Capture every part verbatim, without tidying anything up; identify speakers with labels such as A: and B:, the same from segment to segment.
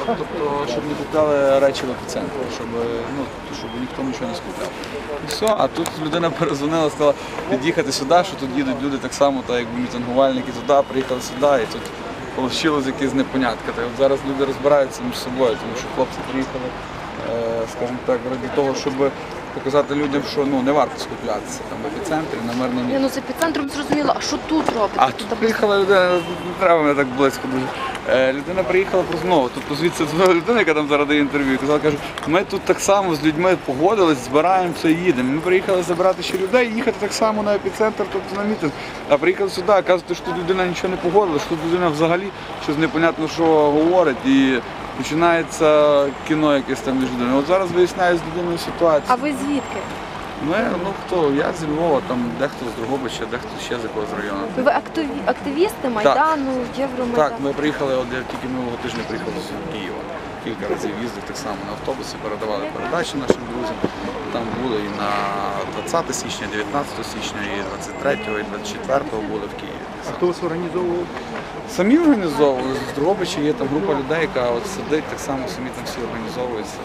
A: тобто, щоб не купляли речі в епіцентрі, щоб, ну, щоб ніхто нічого не скупляв. І все, а тут людина перезвонила, сказала під'їхати сюди, що тут їдуть люди так само, так якби мітингувальники туди, приїхали сюди, і тут вийшло якесь непонятка. Та от зараз люди розбираються між собою, тому що хлопці приїхали, скажімо так, ради того, щоб показати людям, що ну, не варто скуплятися там в епіцентрі, на мирному місці.
B: Ну, з епіцентром зрозуміло, а що тут робите?
A: А тут приїхала людина, не треба мене так близько дуже. Е, людина приїхала просто знову, тобто звідси дзвонила людина, яка там зараз дає інтерв'ю, і казала, каже, ми тут так само з людьми погодились, збираємося і їдемо. Ми приїхали забирати ще людей і їхати так само на епіцентр, тобто на мітинг. А приїхали сюди, а кажуть, що тут людина нічого не погодила, що тут людина взагалі щось непонятно, що говорить. І починається кіно якесь там між людиною. От зараз виясняю з людиною ситуацію.
B: А ви звідки?
A: Ми, ну хто, я зі Львова, там дехто з Дрогобича, дехто ще з якогось району.
B: Ви активі... активісти Майдану, Євромайдану?
A: Так, ми приїхали, от я тільки минулого тижня приїхали з Києва. Кілька разів їздив так само на автобусі, передавали передачі нашим друзям. Там були і на двадцяте січня, дев'ятнадцятого січня, і двадцять третього, і двадцять четвертого були в Києві.
C: А хто вас організовував?
A: Самі організовували, з Дрогобича є там група людей, яка от сидить, так само самі там всі організовуються.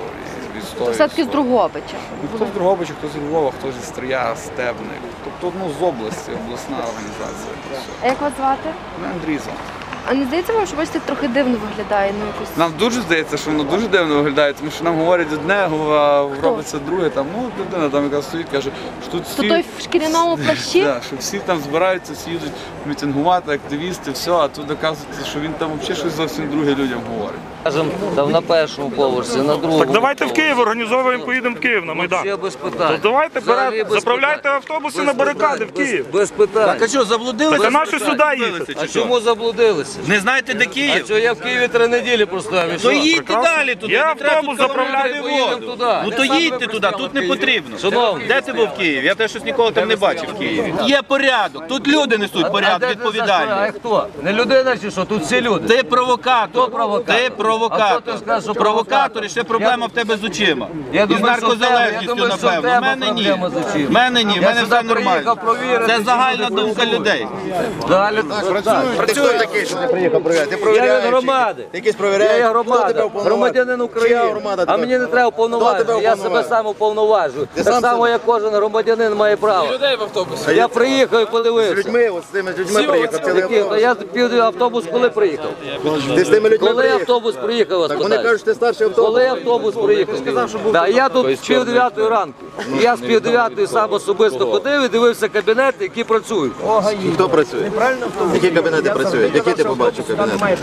B: Все-таки з Дрогобича?
A: Ну, хто з Дрогобича, хто з Львова, хто зі Стрия, Стебник. Тобто ну, з області, обласна організація.
B: А як вас звати?
A: Ну, Андрій звати.
B: А не здається вам, що бачите, трохи дивно виглядає? Ну, якось...
A: Нам дуже здається, що воно дуже дивно виглядає, тому що нам говорять одне, а робиться друге. Там, ну, людина там, яка стоїть, каже, що тут всі...
B: То той в шкіряному плащі?
A: Да, що всі там збираються, всі їдуть мітингувати, активісти, все, а тут оказується, що він там взагалі щось зовсім друге людям говорить.
D: Скажем, там на першому поверсі, на другому.
C: Так давайте в Київ організовуємо, поїдемо в Київ на Майдан.
D: Ще без питань.
C: То давайте
D: Взагалі
C: бере,
D: без
C: заправляйте
D: питань.
C: автобуси
D: Без
C: на барикади
D: питань,
C: в Київ.
D: Без, без питань.
E: Так а що, заблудилися?
C: Та нащо сюди їхати?
D: А чому заблудилися?
E: Не знаєте, де
D: А
E: Київ?
D: що, я в Києві три неділі простояв. і
E: То
D: що?
E: їдьте далі туди,
C: Я
E: не треба
C: автобус
E: тут
C: заправляю,
E: заправляти
D: поїдемо
E: воду.
D: туди.
E: Ну то їдьте туди, тут не потрібно.
D: Шановний.
E: Де ти був в Києві? Я теж щось ніколи там не бачив в Києві. Є порядок, тут люди несуть
D: А
E: порядок,
D: де ти застояв?
E: відповідальність.
D: А хто? Не людина чи що? Тут всі люди.
E: Ти провокатор.
D: Хто провокатор?
E: Ти
D: А хто
E: провокатор.
D: ти скажеш, що
E: Провокатор і ще проблема в тебе з очима.
D: Я
E: І з
D: думаю, що в тебе- я
E: наркозалежністю,
D: думаю, що в
E: напевно.
D: тебе
E: У мене ні.
D: проблема з очима.
E: В мене ні, в
D: Я
E: мене
D: сюди
E: все нормально.
D: приїхав провірити,
E: Це
D: чи
E: загальна
D: люди
E: думка
D: працюють.
E: людей.
D: Далі
F: Працює такий, що ти приїхав перевіряти. Ти
D: Я
F: провіряєш.
D: від громади.
F: Ти якийсь провіряєш.
D: Я є
F: Хто тебе
D: громада,
F: уповноважив?
D: громадянин
F: Чия
D: України.
F: громада
D: А
F: тебе-
D: мені не треба
F: Хто тебе
D: уповноважити, я себе
F: уповноважив?
D: сам уповноважую.
F: Ти
D: Так
F: сам
D: само,
F: себе-
D: як кожен громадянин має право.
A: Людей в автобусі.
D: Я приїхав і
F: З
D: подивився.
F: людьми, от з тими людьми приїхав. Цілий
D: Які? Та
F: автобус.
D: я пів автобус коли приїхав?
F: Ти з тими людьми
D: Коли
F: приїхав.
D: автобус приїхав, вас
F: Так вони
D: питаю?
F: кажуть, що ти старший автобус.
D: Коли автобус приїхав? Да, я тут з пів дев'ятої ранку. Я з пів дев'ятої сам особисто ходив і дивився кабінети, які працюють.
F: Хто працює? Які кабінети працюють? Які ти побачив кабінети?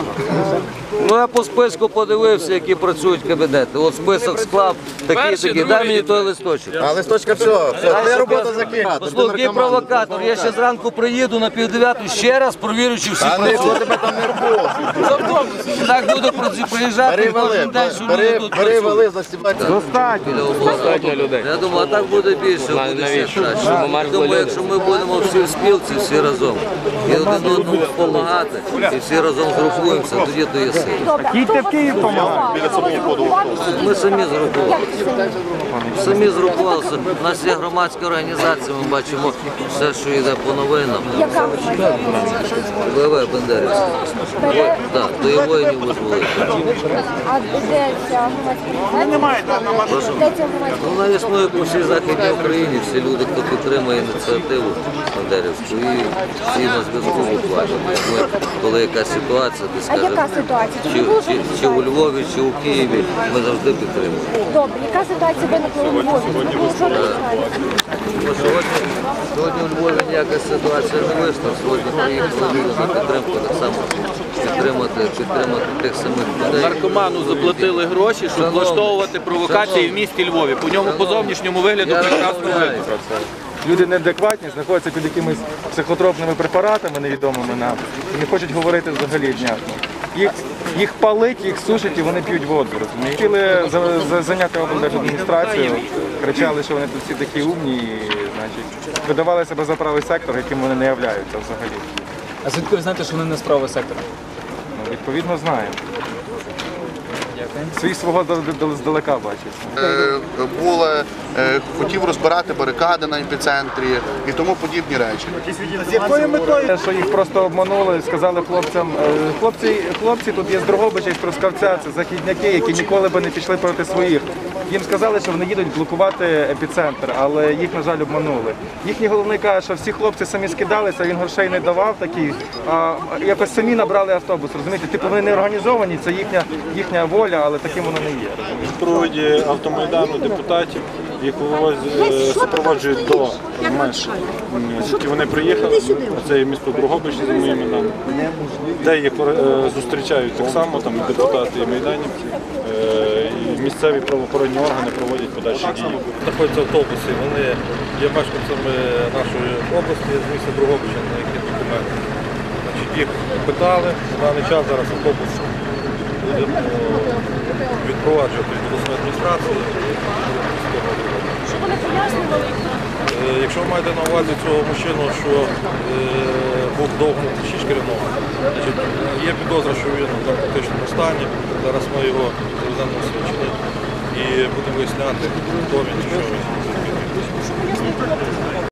D: Ну я по списку подивився, які працюють кабінети. От список склав, такі, такі. Дай мені той листочок.
F: А листочка все, все, твоя робота закрита.
D: Послухай, який провокатор. Я ще зранку приїду на пів дев'ятої ще раз провірю, чи всі
F: А ніхто
D: працюють.
F: тебе там не було.
D: Так буду проці- приїжджати
F: Бери
D: кожен
F: вали,
D: день, що люди
F: бери,
D: тут
F: бери
D: працюють.
F: вали, застібати.
D: Достатньо людей. Я думаю, а так буде більше, буде ще краще. Я думаю, якщо ми будемо всі в спілці, всі разом, і один одному допомагати, і всі разом згрупуємося, тоді то є сила.
C: Їдьте в Київ допомагати.
D: Ми самі згрупувалися. Самі згрупувалися. У нас є громадська організація, ми бачимо все, що йде по новинам. ВВ Бендерівська. Так, то і воїнів визволити.
G: А де ця громадська організація? Де ця громадська?
D: Вона існує по всій Західній Україні, всі люди, хто підтримує ініціативу Бендерівську, і всі на зв'язку буквально. Ми, коли якась ситуація, де,
G: А
D: скажемо,
G: яка ситуація?
D: чи, чи, чи у Львові, чи у Києві, ми завжди підтримуємо.
G: Добре, яка ситуація виникла у Львові? Ну, що ви знаєте?
D: Бо сьогодні, сьогодні у Львові ніяка ситуація не вийшла, сьогодні приїхали люди на підтримку, так само підтримати, підтримати тих самих людей.
E: Наркоману заплатили гроші, щоб влаштовувати провокації в місті Львові. По ньому по зовнішньому вигляду
D: Я
E: прекрасно
D: розмовляю.
E: видно.
C: Люди неадекватні, знаходяться під якимись психотропними препаратами невідомими нам і не хочуть говорити взагалі внятно. Їх, їх палить, їх сушать і вони п'ють воду. Розумієте? Хотіли за, за, зайняти облдержадміністрацію, кричали, що вони тут всі такі умні, і, значить, видавали себе за правий сектор, яким вони не являються взагалі.
H: А звідки ви знаєте, що вони не з правого сектора?
C: Ну, відповідно, знаємо.
H: Дякую.
C: свій свого дал- здалека бачить.
H: Е, Були, е, хотів розбирати барикади на епіцентрі і тому подібні речі.
C: З якою метою? Що їх просто обманули, сказали хлопцям, е, хлопці, хлопці тут є з Дрогобича і з Трускавця, це західняки, які ніколи би не пішли проти своїх. Їм сказали, що вони їдуть блокувати епіцентр, але їх, на жаль, обманули. Їхній головний каже, що всі хлопці самі скидалися, він грошей не давав такі, а якось самі набрали автобус, розумієте? Типу вони не організовані, це їхня, їхня воля, але таким воно не є.
I: В проводі автомайдану депутатів, їх вивозять, супроводжують до менш, звідки вони приїхали. Це є місто Дрогобич за моїми даними, де їх е, зустрічають так само, там і депутати, і майданівці. Е, і місцеві правоохоронні органи проводять подальші дії.
J: Знаходяться автобуси, вони є мешканцями нашої області, з міста Дрогобича, на які документи. Значить, їх питали, на даний час зараз автобус буде відпроваджувати до обласної адміністрації.
B: Щоб вони пояснювали?
J: Е, Якщо ви маєте на увазі цього мужчину, що е, був довго шість керівного, значить, є підозра, що він в наркотичному стані. Зараз ми його заведемо на свідчення і будемо виясняти, хто він і що він.